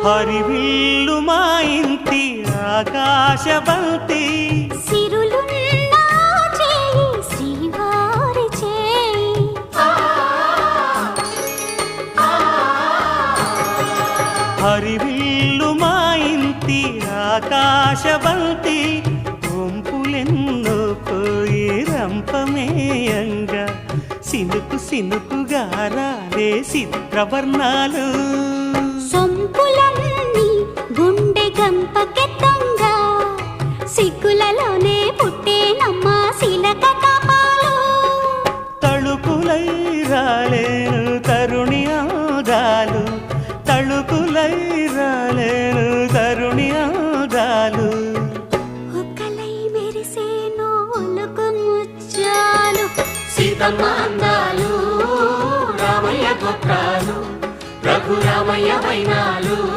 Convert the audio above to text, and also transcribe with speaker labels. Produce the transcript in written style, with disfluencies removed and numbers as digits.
Speaker 1: హరివిల్లు మా ఇంటి ఆకాశబంతి
Speaker 2: సిరులున్న చేయి శ్రీవారి చేయి
Speaker 1: హరివిల్లు మా ఇంటి ఆకాశబంతి వంపులెన్నో పోయి రంపమేయంగా సినుకు సినుకుగా రాలే చిత్రవర్ణాలు
Speaker 2: సొంపులన్నీ గుండె గంపకెత్తంగా సిగ్గులలోనే పుట్టేనమ్మ శిలక కపాలు
Speaker 1: తళుకులై రాలేను తరుణి ఆదాలు తళుకులై రాలేను తరుణి ఆదాలు
Speaker 2: ఒక్కలై మెరిసేనో ఒలుకు ముచ్చాలు
Speaker 3: సీతమ్మ అందాలు రామయ్య గోత్రాలు రఘురామయ్య వైనాలు